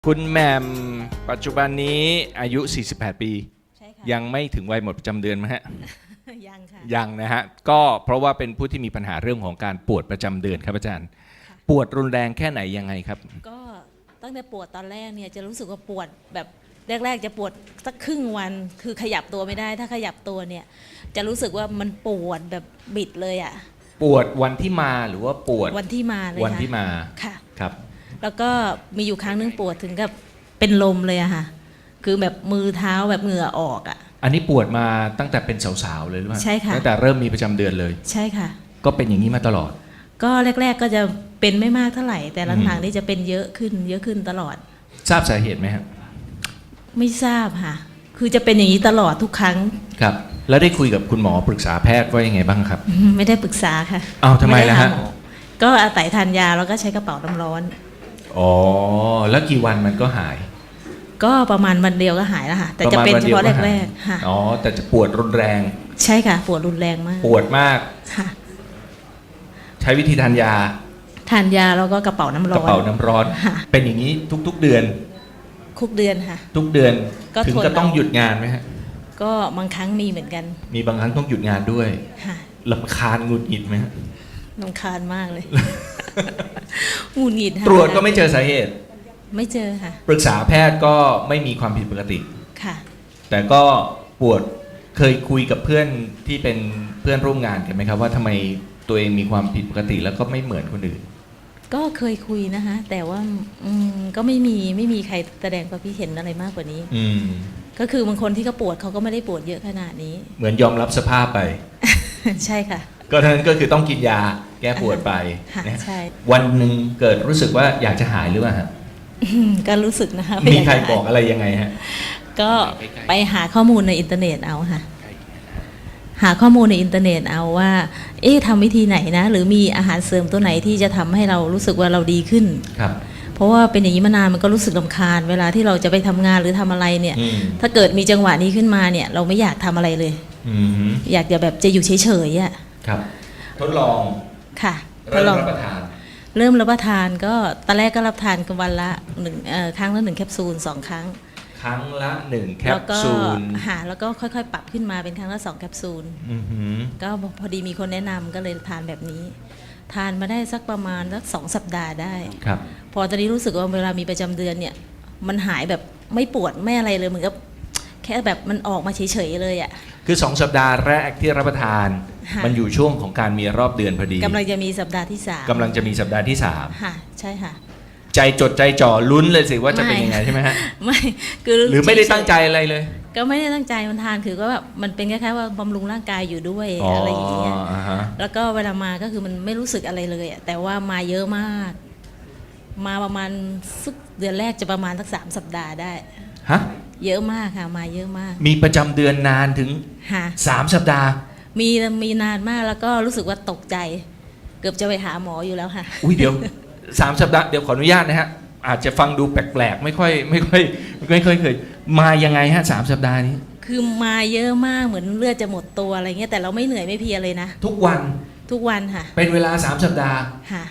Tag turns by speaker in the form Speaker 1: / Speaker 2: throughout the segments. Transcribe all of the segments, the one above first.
Speaker 1: คุณแหม่มปัจจุบันนี้อายุ 48 ปี
Speaker 2: ใช่ค่ะ
Speaker 1: ยังไม่ถึงวัยหมดประจำเดือนไหมฮะ
Speaker 2: ยังค่ะ
Speaker 1: ยังนะฮะก็เพราะว่าเป็นผู้ที่มีปัญหาเรื่องของการปวดประจำเดือนครับอาจารย์ ปวดรุนแรงแค่ไหนยังไงครับ
Speaker 2: ก็ตั้งแต่ปวดตอนแรกเนี่ยจะรู้สึกว่าปวดแบบแรกๆจะปวดสักครึ่งวันคือขยับตัวไม่ได้ถ้าขยับตัวเนี่ยจะรู้สึกว่ามันปวดแบบบิดเลยอ่ะ
Speaker 1: ปวดวันที่มาหรือว่าปวด
Speaker 2: วันที่มาเลย
Speaker 1: วันที่มา
Speaker 2: ค่ะ
Speaker 1: ครับ
Speaker 2: แล้วก็มีอยู่ครั้งนึงปวดถึงกับเป็นลมเลยอะค่ะคือแบบมือเท้าแบบเหงื่อออกอะ
Speaker 1: อันนี้ปวดมาตั้งแต่เป็นสาวๆเลยหรือเปล่า
Speaker 2: ใช่ค่ะ
Speaker 1: ตั้งแต่เริ่มมีประจำเดือนเลย
Speaker 2: ใช่ค่ะ
Speaker 1: ก็เป็นอย่างนี้มาตลอด
Speaker 2: ก็แรกๆก็จะเป็นไม่มากเท่าไหร่แต่หลังๆนี่จะเป็นเยอะขึ้นตลอด
Speaker 1: ทราบสาเหตุไหมครับ
Speaker 2: ไม่ทราบค่ะคือจะเป็นอย่างนี้ตลอดทุกครั้ง
Speaker 1: ครับ แล้วได้คุยกับคุณหมอปรึกษาแพทย์ว่ายังไงบ้างครับ
Speaker 2: ไม่ได้ปรึกษาค่ะ
Speaker 1: อ้าวทำไมล่ะฮะ
Speaker 2: ด้หาหมอก็อาศัยทานยาแล้วก็ใช้กระเป๋าน้ำร้อน
Speaker 1: อ๋อแล้วกี่วันมันก็หาย
Speaker 2: ก็ประมาณวันเดียวก็หายแล้วค่ะ แต่จะเป็นเฉพาะแรกๆค่ะ
Speaker 1: อ๋อแต่จะปวดรุนแรง
Speaker 2: ใช่ค่ะปวดรุนแรงมาก
Speaker 1: ปวดมาก
Speaker 2: ค่ะ
Speaker 1: ใช้วิธีทานยา
Speaker 2: ทานยาแล้วก็กระเป๋าน้ำร้
Speaker 1: ก
Speaker 2: อน
Speaker 1: ระเป๋าน้ำร้อน
Speaker 2: ค่ะ
Speaker 1: เป็นอย่างนี้ทุกๆเดือน
Speaker 2: คุกเดือนค่ะ
Speaker 1: ทุกเดือน
Speaker 2: ก็
Speaker 1: ถึง
Speaker 2: ทน
Speaker 1: ก็ต้อง
Speaker 2: เอา
Speaker 1: หยุดงานไหมฮะ
Speaker 2: ก็บางครั้งมีเหมือนกัน
Speaker 1: มีบางครั้งต้องหยุดงานด้วย
Speaker 2: ค่ะ
Speaker 1: รำคาญหงุดหงิดไหมฮะ
Speaker 2: รำคาญมากเลย หงุดหงิดค่ะ
Speaker 1: ตรวจก็ไม่เจอสาเหตุ
Speaker 2: ไม่เจอค่ะ
Speaker 1: ปรึกษาแพทย์ก็ไม่มีความผิดปกติ
Speaker 2: ค่ะ
Speaker 1: แต่ก็ปวดเคยคุยกับเพื่อนที่เป็นเพื่อนร่วมงานกันไหมครับว่าทำไมตัวเองมีความผิดปกติแล้วก็ไม่เหมือนคนอื่น
Speaker 2: ก็เคยคุยนะคะ แต่ว่าก็ไม่มีใครแสดงความคิดเห็นอะไรมากกว่านี้
Speaker 1: อืม
Speaker 2: ก็คือบางคนที่เขาปวดเขาก็ไม่ได้ปวดเยอะขนาดนี้
Speaker 1: เหมือนยอมรับสภาพไป
Speaker 2: ใช่ค่ะ
Speaker 1: ก็เท่านั้นก็คือต้องกินยาแก้ปวดไป
Speaker 2: ค่ะ
Speaker 1: นะ
Speaker 2: ใช่
Speaker 1: วันหนึ่งเกิดรู้สึกว่าอยากจะหายหรือเปล่าฮะ
Speaker 2: ก็รู้สึกนะคะ
Speaker 1: มีใคร
Speaker 2: ว่า
Speaker 1: บอกอะไรยังไงฮะ
Speaker 2: ก็ไปหาข้อมูลในอินเทอร์เน็ตเอาค่ะ หาข้อมูลในอินเทอร์เน็ตเอาว่า ทำวิธีไหนนะ หรือมีอาหารเสริมตัวไหนที่จะทำให้เรารู้สึกว่าเราดีขึ้น
Speaker 1: ครับ
Speaker 2: เพราะว่าเป็นอย่างนี้มานานมันก็รู้สึกรำคาญเวลาที่เราจะไปทำงานหรือทำอะไรเนี่ย
Speaker 1: อืม
Speaker 2: ถ้าเกิดมีจังหวะนี้ขึ้นมาเนี่ย เราไม่อยากทำอะไรเลย
Speaker 1: อืม
Speaker 2: อยากจะแบบจะอยู่เฉยๆอ่ะ
Speaker 1: ครับ ทดลอง
Speaker 2: ค่ะ
Speaker 1: เริ่มรับประทาน
Speaker 2: เริ่มรับประทานก็ตอนแรกก็รับทานกันวันละครั้งละ1แคปซูล2 ครั้ง
Speaker 1: ครั้งละ1แค
Speaker 2: แล้
Speaker 1: ป
Speaker 2: วก็
Speaker 1: ซูล
Speaker 2: แล้วก็ค่อยๆ ปรับขึ้นมาเป็นครั้งละ2แคปซูล
Speaker 1: อือหือ
Speaker 2: ก็พอดีมีคนแนะนำก็เลยทานแบบนี้ ทานมาได้สักประมาณสัก2 สัปดาห์ได้
Speaker 1: ครับ
Speaker 2: พอตอนนี้รู้สึกว่าเวลามีประจำเดือนเนี่ย มันหายแบบไม่ปวดไม่อะไรเลยเหมือนกับแค่แบบมันออกมาเฉยๆเลยอ่ะ
Speaker 1: คือ2 สัปดาห์แรกที่รับประทาน
Speaker 2: ค่ะ
Speaker 1: มันอยู่ช่วงของการมีรอบเดือนพอดี
Speaker 2: กำลังจะมีสัปดาห์ที่3
Speaker 1: กำลังจะมีสัปดาห์ที่
Speaker 2: ค่ะใช่ค่ะ
Speaker 1: 3 ใจจดใจจ่อลุ้นเลยสิว่าจะเป็นยังไงใช่ไหมฮะ
Speaker 2: ไม่คือ
Speaker 1: หรือไม่ได้ตั้งใจอะไรเลย
Speaker 2: ก็ไม่ได้ตั้งใจมันทานคือก็แบบมันเป็นคล้ายๆว่าบำรุงร่างกายอยู่ด้วยอะไรอย่างเงี้ย
Speaker 1: อ่าฮะ
Speaker 2: แล้วก็เวลามาก็คือมันไม่รู้สึกอะไรเลยอะแต่ว่ามาเยอะมาก มาประมาณสักเดือนแรกจะประมาณสัก3 สัปดาห์ได้
Speaker 1: ฮะ
Speaker 2: เยอะมากค่ะมาเยอะมาก
Speaker 1: มีประจำเดือนนานถึง
Speaker 2: ค่ะ
Speaker 1: 3 สัปดาห์
Speaker 2: มีนานมากแล้วก็รู้สึกว่าตกใจ เกือบจะไปหาหมออยู่แล้วค่ะ
Speaker 1: อุ้ยเดี๋ยว 3 สัปดาห์เดี๋ยวขออนุญาตนะฮะอาจจะฟังดูแปลกๆไม่ค่อยเคยมายังไงฮะ3 สัปดาห์นี้
Speaker 2: คือมาเยอะมากเหมือนเลือดจะหมดตัวอะไรเงี้ยแต่เราไม่เหนื่อยไม่เพลียเลยนะ
Speaker 1: ทุกวัน
Speaker 2: ทุกวันค่ะ
Speaker 1: เป็นเวลา3 สัปดาห์
Speaker 2: ค่ะ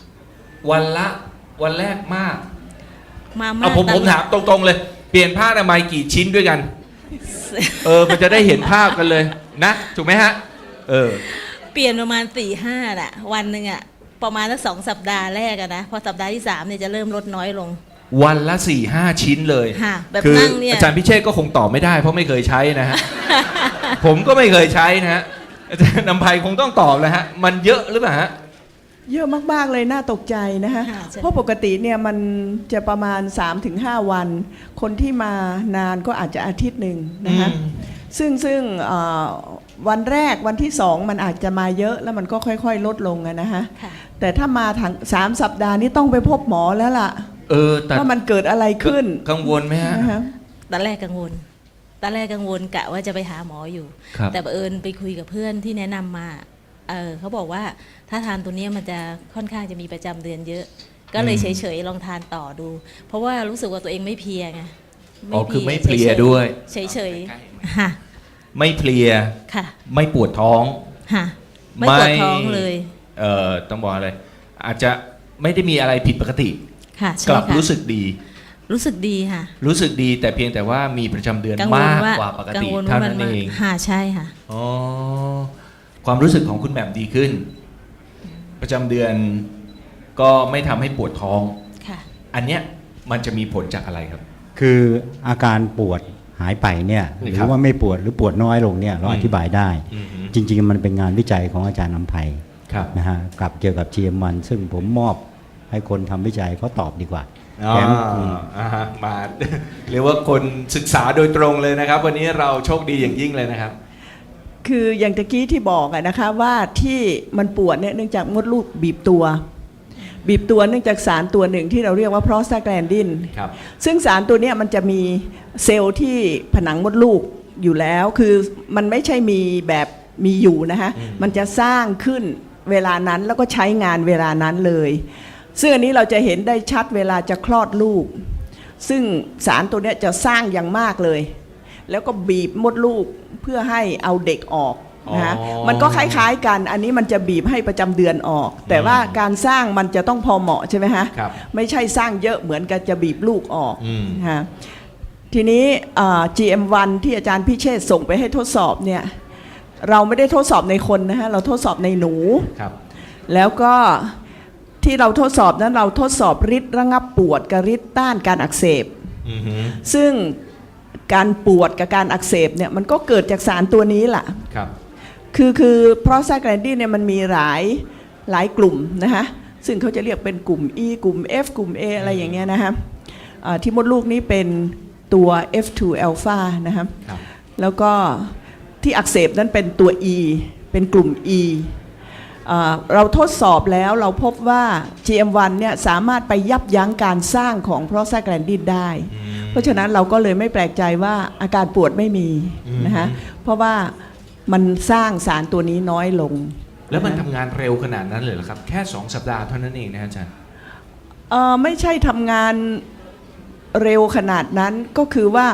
Speaker 1: วันแรกมาก
Speaker 2: มามาก
Speaker 1: เอาผม
Speaker 2: ตลอด
Speaker 1: ถามตรงๆเลย เปลี่ยนผ้าอนามัยกี่ชิ้นด้วยกัน มันจะได้เห็นภาพกันเลยนะถูกไหมฮะ
Speaker 2: เปลี่ยนประมาณ4-5น่ะวันหนึ่งอ่ะประมาณสัก2 สัปดาห์แรกอะนะพอสัปดาห์ที่3เนี่ยจะเริ่มลดน้อยลง
Speaker 1: วันละ 4-5 ชิ้นเลย
Speaker 2: ค่ะแบบ
Speaker 1: คือ
Speaker 2: นั่งเนี่ย
Speaker 1: อาจารย์พิเชษก็คงตอบไม่ได้เพราะไม่เคยใช้นะฮะ ผมก็ไม่เคยใช้นะฮะอาจารย์นำภัยคงต้องตอบแล้วฮะมันเยอะหรือเปล่าฮะ
Speaker 3: เยอะมากๆเลยน่าตกใจนะคะ
Speaker 2: ค่ะใช่
Speaker 3: เพราะปกติเนี่ยมันจะประมาณ 3-5 วัน คนที่มานานก็อาจจะอาทิตย์หนึ่งนะคะซึ่งวันแรกวันที่2มันอาจจะมาเยอะแล้วมันก็ค่อยๆลดลงอะนะคะ
Speaker 2: ค่ะ
Speaker 3: แต่ถ้ามาทั้ง3 สัปดาห์นี้ต้องไปพบหมอแล้วล่ะ
Speaker 1: แต่
Speaker 3: ว่ามันเกิดอะไรขึ้น
Speaker 1: กังวลไหมฮะ
Speaker 3: นะคะ
Speaker 2: ตอนแรกกังวลกะว่าจะไปหาหมออยู่
Speaker 1: ครับ
Speaker 2: แต่บังเอิญไปคุยกับเพื่อนที่แนะนำมาเขาบอกว่าถ้าทานตัวเนี้ยมันจะค่อนข้างจะมีประจำเดือนเยอะ ก็เลยเฉยๆลองทานต่อดู เพราะว่ารู้สึกว่าตัวเองไม่เพลียไง
Speaker 1: คือไม่เพลียด้วย
Speaker 2: เฉยๆค่ะ
Speaker 1: ไม่เพลีย
Speaker 2: ค่ะ
Speaker 1: ไม่ปวดท้อง
Speaker 2: ค่ะไม่ปวดท้องเลย
Speaker 1: ต้องบอกอะไรอาจจะไม่ได้มีอะไรผิดปกติ
Speaker 2: ค่ะ
Speaker 1: ก
Speaker 2: ใช่
Speaker 1: ลับ
Speaker 2: ค่ะ
Speaker 1: รู้สึกดี
Speaker 2: รู้สึกดีค่ะ
Speaker 1: รู้สึกดีแต่เพียงแต่ว่ามีประจำเดือน
Speaker 2: กังวล
Speaker 1: มาก
Speaker 2: ว่าก
Speaker 1: ว่าปก
Speaker 2: กัง
Speaker 1: ติ
Speaker 2: วล
Speaker 1: เท่า
Speaker 2: ว่ามั
Speaker 1: นั้น
Speaker 2: มา
Speaker 1: เอง
Speaker 2: ค่ะใช่ค่ะ
Speaker 1: อ๋อความรู้สึกของคุณแหม่มดีขึ้น ประจำเดือนก็ไม่ทำให้ปวดท้อง
Speaker 2: ค่ะ
Speaker 1: อันเนี้ยมันจะมีผลจากอะไรครับ
Speaker 4: คืออาการปวดหายไปเนี่ยห
Speaker 1: ค
Speaker 4: รื
Speaker 1: รับ
Speaker 4: อว่าไม่ปวดหรือปวดน้อยลงเนี่ยเราอธิบายได้
Speaker 1: อือฮึ
Speaker 4: จริงๆมันเป็นงานวิจัยของอาจารย์นำไพ
Speaker 1: ครับ
Speaker 4: นะฮะกับเกี่ยวกับ GM1 ซึ่งผมมอบให้คนทำวิจัยเขาตอบดีกว่า
Speaker 1: อ๋อ
Speaker 4: แถม
Speaker 1: มา เรียกว่าคนศึกษาโดยตรงเลยนะครับ วันนี้เราโชคดีอย่างยิ่งเลยนะครับ
Speaker 3: คืออย่างตะกี้ที่บอกอะนะคะว่าที่มันปวดเนี่ยเนื่องจากมดลูกบีบตัวเนื่องจากสารตัวหนึ่งที่เราเรียกว่าโปรสตาแกลนดิน
Speaker 1: ครับ
Speaker 3: ซึ่งสารตัวเนี้ยมันจะมีเซลล์ที่ผนังมดลูกอยู่แล้วคือมันไม่ใช่มีแบบมีอยู่นะคะมันจะสร้างขึ้นเวลานั้นแล้วก็ใช้งานเวลานั้นเลยซึ่งอันนี้เราจะเห็นได้ชัดเวลาจะคลอดลูกซึ่งสารตัวเนี้ยจะสร้างอย่างมากเลยแล้วก็บีบมดลูกเพื่อให้เอาเด็กออกนะคะ
Speaker 1: อ๋อ
Speaker 3: มันก็คล้ายๆกันอันนี้มันจะบีบให้ประจำเดือนออก แต่ว่าการสร้างมันจะต้องพอเหมาะใช่ไหมฮะ
Speaker 1: ครับ
Speaker 3: ไม่ใช่สร้างเยอะเหมือนกับจะบีบลูกออก
Speaker 1: อืม
Speaker 3: ฮะทีนี้GM1 ที่อาจารย์พิเชษฐ์ส่งไปให้ทดสอบเนี่ยเราไม่ได้ทดสอบในคนนะฮะเราทดสอบในหนู
Speaker 1: ครับ
Speaker 3: แล้วก็ที่เราทดสอบนั้นเราทดสอบฤทธิ์ระงับปวดกับฤทธิ์ต้านการอักเสบ
Speaker 1: อือฮึ
Speaker 3: ซึ่งการปวดกับการอักเสบเนี่ยมันก็เกิดจากสารตัวนี้แหละ
Speaker 1: ครับ
Speaker 3: คือโปรสตาแกลนดินเนี่ยมันมีหลายกลุ่มนะคะซึ่งเขาจะเรียกเป็นกลุ่ม E กลุ่ม F กลุ่ม A อะไรอย่างเงี้ยนะคะที่มดลูกนี้เป็นตัว F2 อัลฟานะคะ
Speaker 1: ครับ
Speaker 3: แล้วก็ที่อักเสบนั้นเป็นตัว E เป็นกลุ่ม E เราทดสอบแล้วเราพบว่า GM1 เนี่ยสามารถไปยับยั้งการสร้างของโปรสตาแกลนดินได้ เพราะฉะนั้นเราก็เลยไม่แปลกใจว่าอาการปวดไม่มีนะคะเพราะว่ามันสร้างสารตัวนี้น้อยลง
Speaker 1: แล้วมันทำงานเร็วขนาดนั้นเลยเหรอครับ แค่ 2 สัปดาห์เท่านั้นเองนะอาจารย์
Speaker 3: ไม่ใช่ทำงานเร็วขนาดนั้นก็คือว่า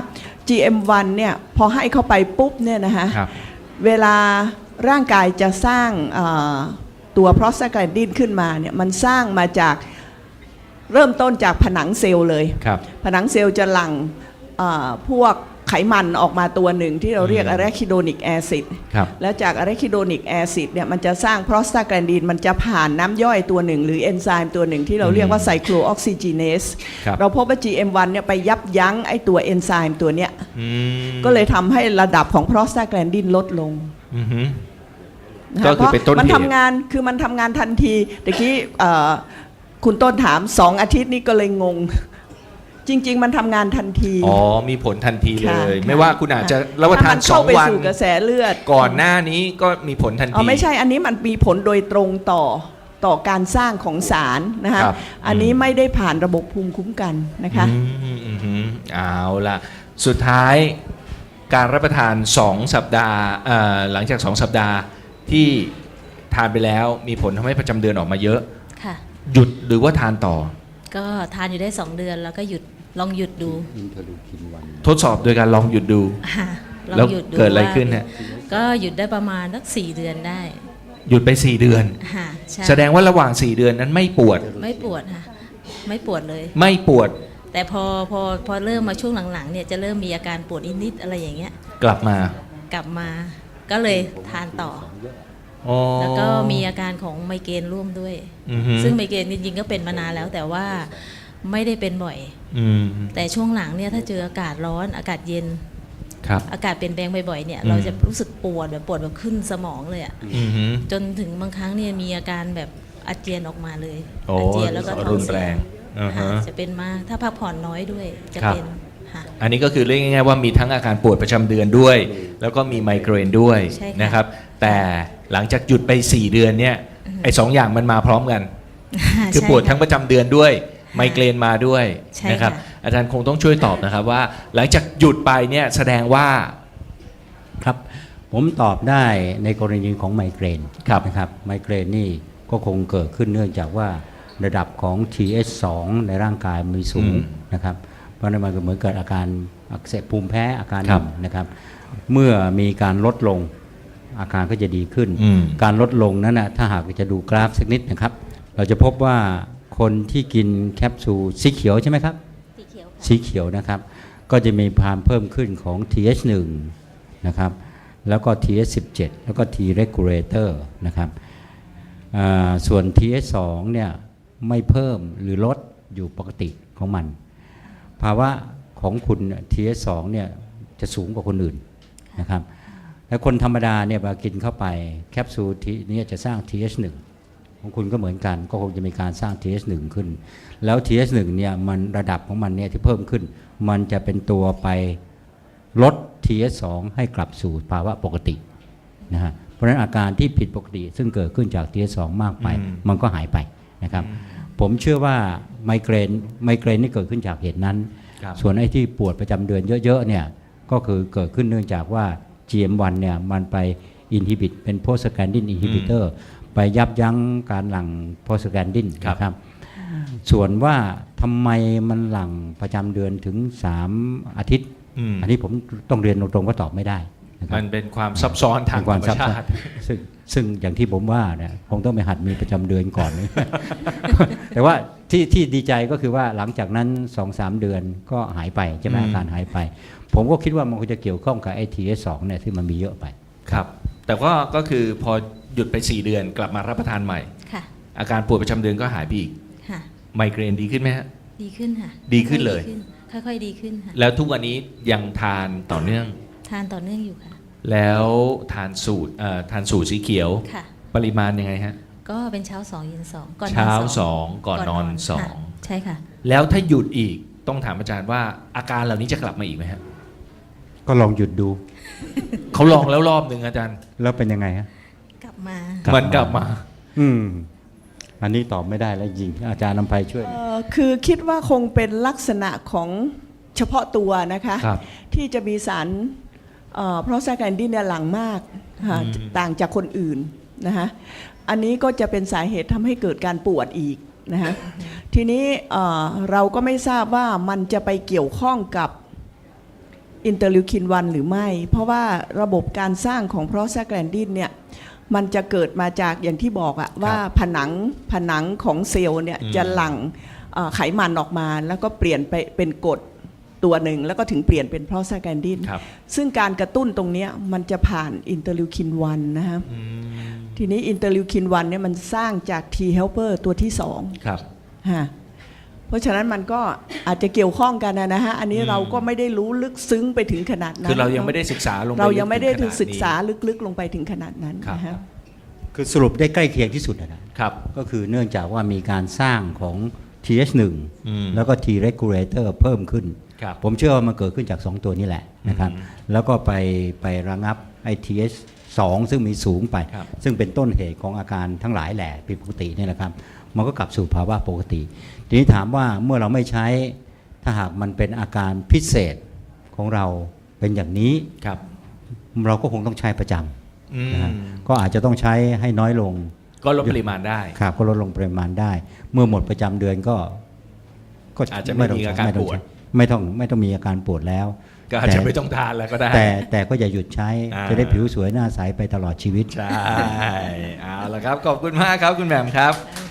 Speaker 3: GM1 เนี่ยพอให้เข้าไปปุ๊บเนี่ยนะคะ
Speaker 1: ครับ
Speaker 3: เวลาร่างกายจะสร้างตัวโปรสตาแกลนดินขึ้นมาเนี่ยมันสร้างมาจากเริ่มต้นจากผนังเซลล์เลย
Speaker 1: ครับ
Speaker 3: ผนังเซลล์จะหลั่งพวกไขมันออกมาตัวหนึ่งที่เราเรียกอะเรคิโดนิกแอซิด
Speaker 1: ครับ
Speaker 3: แล้วจากอะเรคิโดนิกแอซิดเนี่ยมันจะสร้างโปรสตาแกลนดินมันจะผ่านน้ำย่อยตัวหนึ่งหรือเอนไซม์ตัวหนึ่งที่เราเรียกว่าไซโคลออกซิจีเนส
Speaker 1: ครับ
Speaker 3: เราพบว่า GM1 เนี่ยไปยับยั้งไอตัวเอนไซม์ตัวเนี้ย
Speaker 1: อืม
Speaker 3: ก็เลยทำให้ระดับของโปรสตาแกลนดินลดลง
Speaker 1: อือฮึ
Speaker 3: นะคะ
Speaker 1: ก็คือเป็นต้นเหตุ
Speaker 3: มันทำงานคือมันทำงานทันทีตะกี้คุณต้นถาม2 อาทิตย์นี้ก็เลยงง จริง ๆ มันทำงานทันที
Speaker 1: อ๋อ มีผลทันทีเล
Speaker 3: ค่ะ
Speaker 1: ย
Speaker 3: ค่ะ
Speaker 1: ไม่ว่าคุณอาจจะรับประทาน
Speaker 3: ถ้มัเข้าไป
Speaker 1: 2 วัน
Speaker 3: สู่กระแสเลือด
Speaker 1: ก่อนหน้านี้ก็มีผลทันที
Speaker 3: อ๋อไม่ใช่อันนี้มันมีผลโดยตรงต่อการสร้างของสารนะคะ
Speaker 1: ครับ
Speaker 3: อันนี้ไม่ได้ผ่านระบบภูมิคุ้มกันนะคะ
Speaker 1: เอาละสุดท้ายการรับประทาน 2 สัปดาห์หลังจาก 2 สัปดาห์ที่ทานไปแล้วมีผลทำให้ประจำเดือนออกมาเยอะ
Speaker 2: ค่ะ
Speaker 1: หยุดหรือว่าทานต่อ
Speaker 2: ก็ทานอยู่ได้ 2 เดือนแล้วก็หยุดลองหยุดดู
Speaker 4: อินเทอร์ลูคินวัน
Speaker 1: ทดสอบโดยการลองหยุดดู
Speaker 2: ค่ะลอ
Speaker 1: แล้ว
Speaker 2: งหยุดดู
Speaker 1: เกิดอะไร
Speaker 2: ว่า
Speaker 1: ขึ้นฮะ
Speaker 2: ก็หยุดได้ประมาณสัก4 เดือนได้
Speaker 1: หยุดไป 4 เดือน
Speaker 2: ค่ะใช่
Speaker 1: แสดงว่าระหว่าง 4 เดือนนั้นไม่ปวด
Speaker 2: ไม่ปวดค่ะไม่ปวดเลย
Speaker 1: ไม่ปวด
Speaker 2: แต่พอเริ่มมาช่วงหลังๆเนี่ยจะเริ่มมีอาการปวดนิดๆอะไรอย่างเงี้ย
Speaker 1: กลับมา
Speaker 2: กลับมาก็เลยทานต่อ
Speaker 1: อ๋อ
Speaker 2: แล้วก็มีอาการของไมเกรนร่วมด้วย
Speaker 1: อือฮึ
Speaker 2: ซึ่งไมเกรนจริงๆก็เป็นมานานแล้วแต่ว่าไม่ได้เป็นบ่อย
Speaker 1: อืม
Speaker 2: แต่ช่วงหลังเนี่ยถ้าเจออากาศร้อนอากาศเย็น
Speaker 1: ครับ
Speaker 2: อากาศเปลี่ยนแปลงบ่อยๆเนี่ย
Speaker 1: อืม
Speaker 2: เราจะรู้สึกปวดแบบขึ้นสมองเลยอะ
Speaker 1: อือฮึ
Speaker 2: จนถึงบางครั้งเนี่ยมีอาการแบบอาเจียนออกมาเลย
Speaker 1: โอ้
Speaker 2: อาเจียนแล้วก็ท้
Speaker 1: รุ
Speaker 2: อง
Speaker 1: น
Speaker 2: เสี
Speaker 1: แร
Speaker 2: ย
Speaker 1: งอ่าฮะ
Speaker 2: ค่ะจะเป็นมากถ้าพักผ่อนน้อยด้วยจะ
Speaker 1: ครับ
Speaker 2: เป็นค่ะ
Speaker 1: อันนี้ก็คือเรียกง่ายๆว่ามีทั้งอาการปวดประจำเดือนด้วย แล้วก็มีไมเกรนด้วย
Speaker 2: ใช่ค่ะ
Speaker 1: นะครับ แต่หลังจากหยุดไป 4 เดือนเนี่ยไอ้สองอย่างมันมาพร้อมกัน คือ
Speaker 2: ใช่
Speaker 1: ปวดทั้ง
Speaker 2: ค่ะ
Speaker 1: ประจำเดือนด้วย ไมเกรนมาด้วย
Speaker 2: ใช่
Speaker 1: นะครับ
Speaker 2: ค่ะ
Speaker 1: อาจารย์คงต้องช่วยตอบนะครับว่า หลังจากหยุดไปเนี่ยแสดงว่า
Speaker 4: ครับผมตอบได้ในกรณีของไมเกรน
Speaker 1: ครับ
Speaker 4: นะครับไมเกรนนี่ก็คงเกิดขึ้นเนื่องจากว่าระดับของ TH2 ในร่างกายมีสูงนะครับเพราะนั้นมันก็เหมือนเกิดอาการอักเสบภูมิแพ้อาการห
Speaker 1: ครั
Speaker 4: นึ่
Speaker 1: บ
Speaker 4: งนะครับเมื่อมีการลดลงอาการก็จะดีขึ้น
Speaker 1: อืม
Speaker 4: การลดลงนั้นนะถ้าหากจะดูกราฟสักนิดนะครับ เราจะพบว่าคนที่กินแคปซูลสีเขียวใช่ไหมครับ
Speaker 2: สีเขียวค่ะ
Speaker 4: สีเขียวนะครับก็จะมีความเพิ่มขึ้นของ TH1 นะครับแล้วก็ TH17 แล้วก็ T regulator นะครับส่วน TH2 เนี่ยไม่เพิ่มหรือลดอยู่ปกติของมันภาวะของคุณ TH2 เนี่ยจะสูงกว่าคนอื่นนะครับแล้วคนธรรมดาเนี่ยพอกินเข้าไปแคปซูลนี้จะสร้าง TH1 ของคุณก็เหมือนกันก็คงจะมีการสร้าง TH1 ขึ้นแล้ว TH1 เนี่ยมันระดับของมันเนี่ยที่เพิ่มขึ้นมันจะเป็นตัวไปลด TH2 ให้กลับสู่ภาวะปกตินะฮะเพราะฉะนั้นอาการที่ผิดปกติซึ่งเกิดขึ้นจาก TH2 มากไปมันก็หายไปนะครับผมเชื่อว่าไมเกรนนี่เกิดขึ้นจากเหตุนั้นส่วนไอ้ที่ปวดประจำเดือนเยอะๆเนี่ยก็คือเกิดขึ้นเนื่องจากว่า GM1 เนี่ยมันไปอินฮิบิตเป็นโพสแกนดินอินฮิบิเตอร์ไปยับยั้งการหลั่งโพสแกนดินนะครับส่วนว่าทำไมมันหลั่งประจำเดือนถึง3อาทิตย์อันนี้ผมต้องเรียนตรงๆว่าตอบไม่ได้นะครับ
Speaker 1: มันเป็นความซับซ้อนทางธรรมชาติ
Speaker 4: ซึ่งอย่างที่ผมว่าเนี่ยคงต้องไปหัดมีประจำเดือนก่อน แต่ว่าที่ดีใจก็คือว่าหลังจากนั้น 2-3 เดือนก็หายไปใช่ไหมอาการหายไปผมก็คิดว่ามันคงจะเกี่ยวข้องกับไอ้ TH2 เนี่ยที่มันมีเยอะไป
Speaker 1: ครับแต่ก็คือพอหยุดไป4 เดือนกลับมารับประทานใหม่
Speaker 2: ค่ะ
Speaker 1: อาการปวดประจำเดือนก็หายไปอีก
Speaker 2: ค่ะ
Speaker 1: ไมเกรนดีขึ้นไหมฮะ
Speaker 2: ดีขึ้นค่ะ
Speaker 1: ดีขึ้นเลย
Speaker 2: ค่อยๆดีขึ้นค่ะ
Speaker 1: แล้วทุกวันนี้ยังทานต่อเนื่อง
Speaker 2: ทานต่อเนื่องอยู่ค่ะ
Speaker 1: แล้วทานสูตรสีเขียว
Speaker 2: ค่ะ
Speaker 1: ปริมาณยังไงฮะ
Speaker 2: ก็เป็นเช้า2เย็น2ก่อนนอน2
Speaker 1: เช้า2ก่อนนอน2
Speaker 2: ใช่ค่ะ
Speaker 1: แล้วถ้าหยุดอีกต้องถามอาจารย์ว่าอาการเหล่านี้จะกลับมาอีกไหมฮะ
Speaker 4: ก็ลองหยุดดู
Speaker 1: เขาลองแล้วรอบหนึ่งอาจารย์
Speaker 4: แล้วเป็นยังไงฮะ
Speaker 2: กลับมา
Speaker 1: มันกลับมา
Speaker 4: อันนี้ตอบไม่ได้แล้วจริงอาจารย์นำไพช่วย
Speaker 3: คือคิดว่าคงเป็นลักษณะของเฉพาะตัวนะคะที่จะมีสารเพราะแซกแอนดินเนี่ยหลั่งมากต่างจากคนอื่นนะคะอันนี้ก็จะเป็นสาเหตุทำให้เกิดการปวดอีกนะคะทีนี้เราก็ไม่ทราบว่ามันจะไปเกี่ยวข้องกับอินเตอร์ลิวคิน1หรือไม่เพราะว่าระบบการสร้างของเพราะแซกแอนดินเนี่ยมันจะเกิดมาจากอย่างที่บอกอะว่าผนังของเซลล์เนี่ยจะหลั่งไขมันออกมาแล้วก็เปลี่ยนไปเป็นกรดตัวหนึ่งแล้วก็ถึงเปลี่ยนเป็นโปรสแกนดินซึ่งการกระตุ้นตรงนี้มันจะผ่านอินเตอร์ลิวคิน1นะครับทีนี้อินเตอร์ลิวคิน1เนี่ยมันสร้างจาก T helper ตัวที่2
Speaker 1: ครับ
Speaker 3: เพราะฉะนั้นมันก็อาจจะเกี่ยวข้องกันนะฮะอันนี้เราก็ไม่ได้รู้ลึกซึ้งไปถึงขนาดนั้น
Speaker 1: คือเรายังไม่ได้ศึกษาลงไป
Speaker 3: เรายังไม่ได้ศึกษาลึกๆลงไปถึงขนาดนั้นนะครับ
Speaker 4: คือสรุปได้ใกล้เคียงที่สุดนะครับก็คือเนื่องจากว่ามีการสร้างของ TH1 แล้วก็ T regulator เพิ่มขึ้นผมเชื่อว่ามันเกิดขึ้นจาก2ตัวนี้แหละนะครับแล้วก็ไประงับไอ้ TH2 ซึ่งมีสูงไปซึ่งเป็นต้นเหตุของอาการทั้งหลายแหละผิดปกตินี่แหละครับมันก็กลับสู่ภาวะปกติทีนี้ถามว่าเมื่อเราไม่ใช้ถ้าหากมันเป็นอาการพิเศษของเราเป็นอย่างนี้เราก็คงต้องใช้ประจำนะก็อาจจะต้องใช้ให้น้อยลง
Speaker 1: ก็ลดปริมาณได้
Speaker 4: ครับก็ลดลงปริมาณได้เมื่อหมดประจำเดือนก็
Speaker 1: อาจจะไม่มีอาการปวด
Speaker 4: ไม่ต้องมีอาการปวดแล้ว
Speaker 1: ก็อาจจะไม่ต้องทานแล้วก็ได้
Speaker 4: แต่ก็อย่าหยุดใช้จะได้ผิวสวยหน้าใสไปตลอดชีวิต
Speaker 1: ใช่เอาละครับขอบคุณมากครับคุณแหม่มครับ